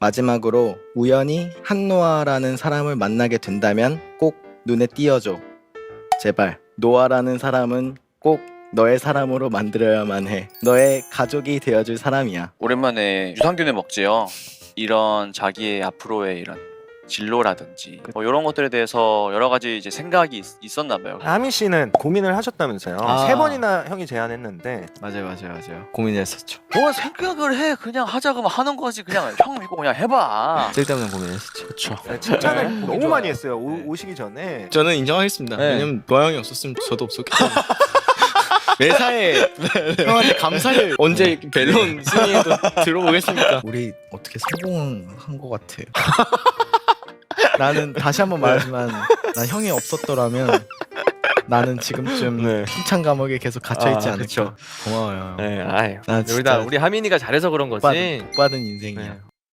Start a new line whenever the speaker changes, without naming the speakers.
마지막으로 우연히 한노아라는 사람을 만나게 된다면 꼭 눈에 띄어줘. 제발. 노아라는 사람은 꼭 너의 사람으로 만들어야만 해. 너의 가족이 되어줄 사람이야.
오랜만에 유산균을 먹지요. 이런 자기의 앞으로의 이런 진로라든지 뭐 이런 것들에 대해서 여러 가지 이제 생각이 있었나 봐요.
하민 씨는 고민을 하셨다면서요.
아.
3번이나 형이 제안했는데
맞아요. 고민했었죠.
뭐 생각을 해. 그냥 하자 그러면 하는 거지. 그냥 형 믿고 그냥 해봐.
쓸데없는 고민했었죠. 그렇죠.
칭찬을
네.
너무
좋아요.
많이 했어요.
네.
오시기 전에.
저는 인정하겠습니다.
네.
왜냐면 노아 형이 없었으면 저도 없었기 때문에. 매사에 형한테 감사를 언제 이렇게 밸런 승리에도 들어보겠습니까? 우리 어떻게 성공한 것 같아요. 나는 다시 한번 말하지만 난 형이 없었더라면 나는 지금쯤
네.
힘찬 감옥에 계속 갇혀있지 않을까.
그쵸.
고마워요.
네, 아이.
나
우리
진짜
우리 하민이가 잘해서 그런 거지.
복 받은 인생이야.
네.